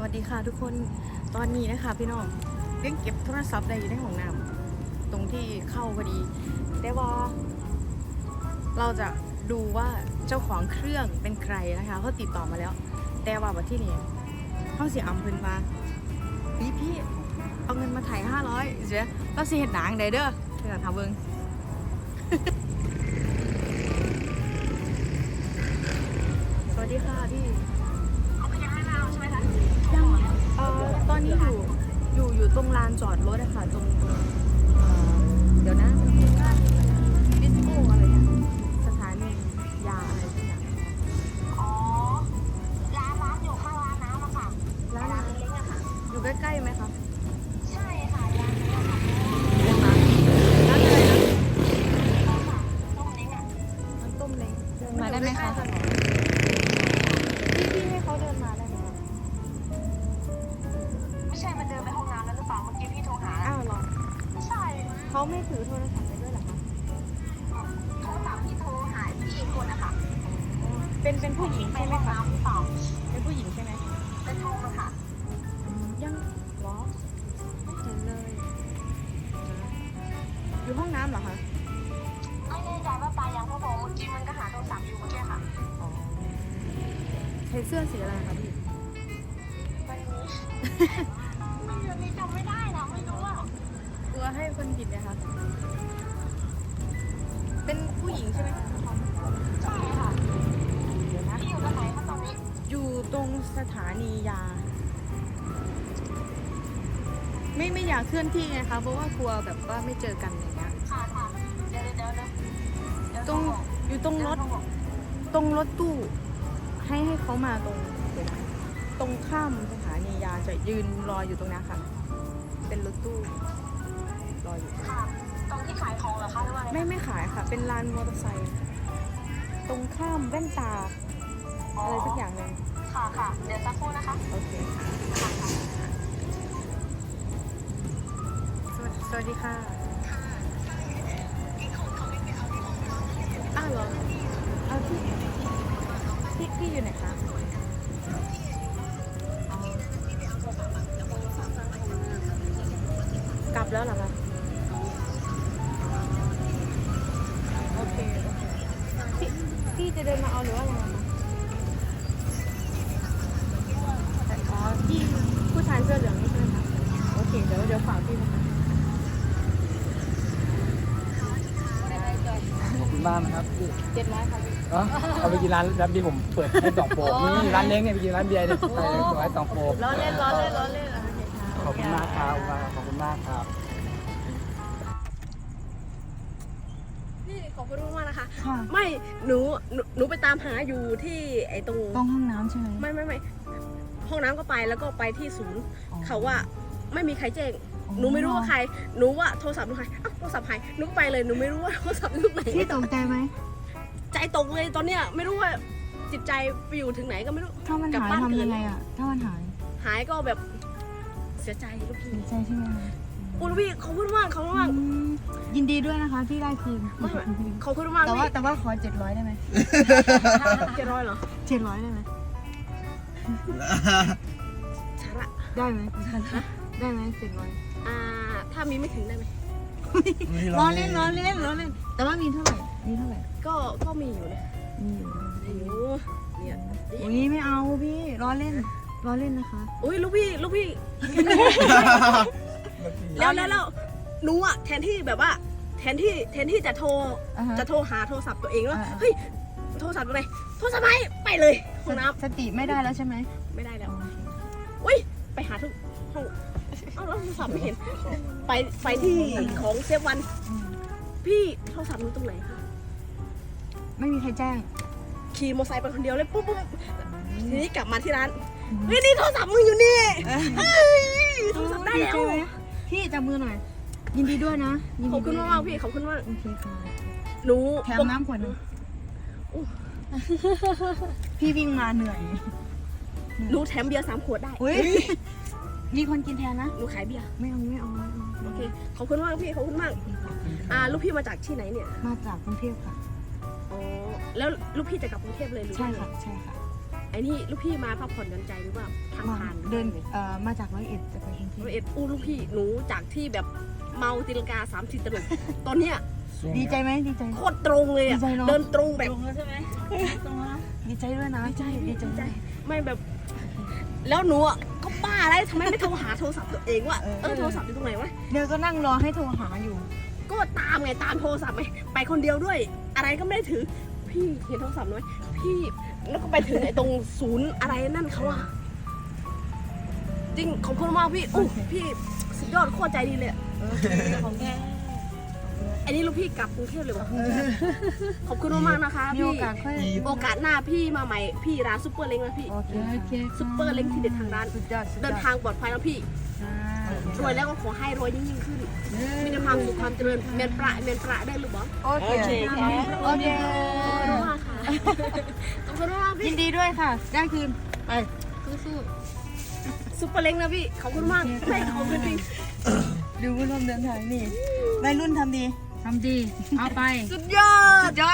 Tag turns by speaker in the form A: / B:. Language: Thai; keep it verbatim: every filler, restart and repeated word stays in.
A: วัสดีค่ะทุกคนตอนนี้นะคะพี่น้องเรื่องเก็บโทรศัพท์ได้อยู่ในห้องน้ำตรงที่เข้าพอดีแต่ว่าเราจะดูว่าเจ้าของเครื่องเป็นใครนะคะเขาติดต่อมาแล้วแต่ว่าวันที่นี่เขาเสียอำเพิ่นมาพี่พี่เอาเงินมาถ่ายห้าร้อยเสียเราสิเห็ดหนังได้เด้อเพื่อนทำเบิ้ง สวัสดีค่ะพี่ยังเอ่อตอนนี้อยู่อยู่อยู่ตรงลานจอดรถอะค่ะตรงเอ่อเดี๋ยวนะดิสโก้อะไรเนี่ยสถานียาอะไรสักอย่าง
B: อ๋อ ร้านร้านอยู่ข้างร้านน้ำอะค่ะ
A: ร้าน
B: ร้านเล็กๆอะค่ะ
A: อยู่ใกล้ๆไหมคะ
B: ใช่ค่ะร้านนี้อะค่ะ
A: ร้านร้านอะไรนะ
B: ก็ค่ะต้มเล้งอะ
A: ร้านต้มเล้ง
C: เดินมาได้ไหมคะ
A: พี่พี่ให้เขาเดินมาได้ไหมคะ
B: ไม่ใช่มันเดินไปห้องน้ำแล้วหรือเปล่าเมื่อกี้พี่โทรหา
A: อ้าวเหรอ
B: ไม่ใช่
A: เขาไม่ถือโทรศัพท์ไปด้วยเหรอคะ
B: โทรศัพท์ที่โทรหาพี่อีกคนอะค่ะ
A: เป็นเป็นผู้หญิง
B: ไป
A: ใช่ไหม
B: ห้อง
A: คะ
B: น้ำหรือเปล่า
A: เป็นผู้หญิงใช่ไหม
B: เป็นห้องอะค่ะ
A: ยังเหรอเห็นเลยอยู่ห้องน้ำเหรอคะ
B: ไม่แน่ใจว่าไปยังเพราะบอกเมื่อกี้มันก็หาโทรศัพท์อยู่เมื่อกี้ค่ะ
A: อ๋อใส่เสื้อสีอะไรคะพี่
B: วันนี้ วันนี้จำไม่ได้นะไม่รู้อะ
A: กลัวให้คนผิดนะคะเป็นผู้หญิงใช่ไหมคะ
B: ใช่ค่ะ
A: เดี๋ยวนะ
B: พี่อยู่ตรงไหนคะตอนนี้
A: อยู่ตรงสถานียา ไม่ไม่อยากเคลื่อนที่ไงคะเพราะว่ากลัวแบบว่าไม่เจอกันอย่างเงี้ย
B: ค่ะค่ะเดี๋ยวเดี๋ยวเดี๋ยวเดี๋ยว
A: ตรง
B: โทบอก
A: อยู่ตรงรถ
B: เดี๋ยวโทบอก
A: ตรงรถตู้ ให้ให้เขามาตรงเดี๋ยวนะตรงข้ามสถานียาจะยืนรออยู่ตรงนี้ค่ะ เป็นรถตู้รออยู่
B: ค่ะ ตรงที่ขายของเหรอคะหรือว่าอะไร
A: ไม่ไม่ขายค่ะ เป็นลานมอเตอร์ไซค์ตรงข้ามแว่นตาอะไรสักอย่างหนึ่ง
B: ค่ะค่ะ เดี๋ยวสักครู่นะคะ
A: โอเคค่ะ
B: ค่ะค่ะ
A: สวัสสวัสดีค่ะอ้าวเหรอเอาพี่พี่พี่อยู่ไหนคะอ๋อกลับแล้วเหรอคะโอเคโอเคพี่พี่จะเดินมาเอาหรือว่าอะไรคะอ๋อพี่ผู้ชายเสื้อเหลืองนี่ใช่ไหมคะโอเคเดี๋ยวเดี๋ยวฝากพี่นะคะ
C: ขอบคุณมากนะครับพี่
A: เจ็ดร้อยค่ะพี่
C: เนาะเอาไปกินร้านร้านที่ผมเปิดให้สองโปกนี่ร้านเล้งเนี่ยไปกินร้านเบียร์เนี่ยไปสวยสองโปก
A: ล้อเล่นล้อเล่นล้อเล่นโอเคค่ะ
C: ขอบคุณมากครับขอบคุณมากครับ
D: พี่ขอบคุณมากๆนะคะ
C: ค่ะ
D: ไม่หนูหนูหนูไปตามหาอยู่ที่ไอ้ตรง
C: ตรงห้องน้ำใช่ไหม
D: ไม่ไม่ไม่ห้องน้ำก็ไปแล้วก็ไปที่ศูนย์ เขาว่าไม่มีใครแจ้งหนูไม่รู้ว่าใครหนูว่าโทรศัพท์หนูหายอ้าวโทรศัพท์หายหนูก็ไปเลยหนูไม่รู้ว่าโทรศัพท์ลูกไหน
C: พี่ตกใจไหม
D: ใจตกเลยตอนเนี้ยไม่รู้ว่าจิตใจไปอยู่ถึงไหนก็ไม่รู้
C: ถ้ามัน
D: กลับ
C: หาย
D: บ้าน
C: ทำ
D: อื่น
C: ยังไงอ่ะถ้ามันหาย
D: หายก็แบบเสียใจลูกพี่
C: เสียใจใช่ไหม
D: โอ้ลูกพี่ขอบคุณมากขอบคุณมาก
C: อืมยินดีด้วยนะคะที่ได้คืน
D: ไม่ไม่ขอบคุณมาก
C: แต่ว่า
D: พี่
C: แต่ว่าขอเจ็ดร้อยได้ไหม
D: เจ็ดร้อยเหรอ
C: เจ็ดร้อยได้ไหม
D: ชาระ
C: ได้ไหมได้ไหมเจ็ดร้อย
D: อ่าถ้ามีไม่ถึงได้ไหม
C: ล้อเล่นล้อเล่นล้อเล่นแต่ว่ามีเท่าไหร่มีเท่าไหร่
D: ก็ก็มีอยู่นะ
C: มีอยู่
D: โอ้โหเนี่ย
C: อุ้ยไม่เอาพี่ล้อเล่นล้อเล่นนะคะ
D: อุ้ยลูกพี่ลูกพี่ แล้วแล้วแล้วหนูอะแทนที่แบบว่า แทนที่แทนที่จะโทร
C: อ่าฮะ
D: จะโทรหาโทรศัพท์ตัวเองแล้ว
C: อ่า
D: เฮ้ยโทรศัพท์อะไรโทรศัพท์ไหนไปเลยห้องน้
C: สติไม่ได้แล้วใช่ไหม
D: ำไม่ได้แล้วอุ้ยไปหาทุกห้องเอ้าแล้วโทรศัพท์ไม่เห็น ไปไปที่ของเซฟวัน
C: อืม
D: พี่โทรศัพท์หนูตรงไหนคะ
C: ไม่มีใครแจ้ง
D: ขี่มอเตอร์ไซค์ไปคนเดียวเลยปุ๊บปุ๊บทีนี้กลับมาที่ร้านเฮ้ยนี่โทรศัพท์มึงอยู่นี่เฮ้ยโทรศัพท์ได้แล้ว
C: ใช่ไหมพี่จับมือหน่อย ยินดีด้วยนะยิน
D: ข
C: ดี
D: อบคุณมากๆพี่ขอบคุณมาก
C: โอเคค่ะ
D: หนู
C: แถมน้ำขวดหนึง
D: อู้
C: พี่วิ่งมาเหนื่อย
D: หนูแถมเบียร์สามขวดได้
C: อุ้ยมีคนกินแทนนะ
D: หนูขายเบียร์
C: ไม่เอาไม่เอาไม่เอา
D: โอเค ขอบคุณมากพี่ ขอบคุณมาก อ่า ลูกพี่มาจากที่ไหนเนี่ย
C: มาจากกรุงเทพค่ะ
D: อ๋อ แล้วลูกพี่จะกลับกรุงเทพเลยหรือ
C: ใช่
D: ว่าไง
C: ค่ะใช่ค่ะ
D: ไอ้นี่ลูกพี่มาพักผ่อนหย่อนใจหรือว่าทาง
A: มา
D: ผ่าน
A: เดินเอ่อมาจากร้อยเอ็ดจะไปกรุงเทพ
D: ร้อยเอ็ดอู้ลูกพี่หนูจากที่แบบเมาตีลังกาสามสิบตลบตอนเนี้ย
A: ดีใจไหมดีใจ
D: โคตรตรงเลยอะ
A: ดีใจเนอะ
D: เดินตรงแบบ
B: ลงแล้วใช่ไหมตรงแล้ว
A: ดีใจด้วยนะ
D: ดีใจ
A: ดี
D: ดี
A: ใจ
D: ใจ ไม่แบบ แล้วหนูอ่ะก็บ้าอะไรทำไมไม่โทรหาโทรศัพท์ตัวเองวะเออโทรศัพท์อยู่ตรงไหนวะ
A: เดี๋ยวก็นั่งรอให้โทรหาอยู่
D: ก็ตามไงตามโทรศัพท์ไปไปคนเดียวด้วย อะไรก็ไม่ได้ถือ พี่เห็นโทรศัพท์ไหมพี่แล้วก็ไปถึงไอ้ตรงศูนย์อะไรนั่นเขาอะจริงขอบคุณมากพี่อู้พี่สุดยอดโคตรใจดีเลยอะ
B: ของแก
D: อันนี้ลูกพี่กลับกรุงเทพเลยวะขอบคุณมากๆนะคะ
A: มี
D: พี่
A: โอกาสค่อย
D: โอกาสหน้าพี่มาใหม่พี่ร้านซุปเปอร์เล้งนะพี่
A: โอเค
B: โอเค
D: ซุปเปอร์เล้งที่เด็ดทางร้าน
A: สุดยอดสุดย
D: เดิ
A: อด
D: นทางปลอดภัยแล้วพี่ รวยแล้วก็ขอให้รวยยิ่งๆขึ้น มีแต่ความสุขความเจริญเมียนประเมียนประได้หรือเปล่า
A: โอเค
B: โอเคค่ะ
A: โอเค
D: ขอบคุณมากค่ะ ขอบคุณมาก
A: ยิ
D: พี่
A: นดีด้วยค่ะ ได้คืนไป
D: สู้ๆซุปเปอร์เล้งนะพี่ ขอบคุณมากไม่ขอบคุณจริง
A: ดูผู้ร่วมเดินทางนี่วัยรุ่นทำดี
B: ทำดี เอาไป
A: สุดยอดยอด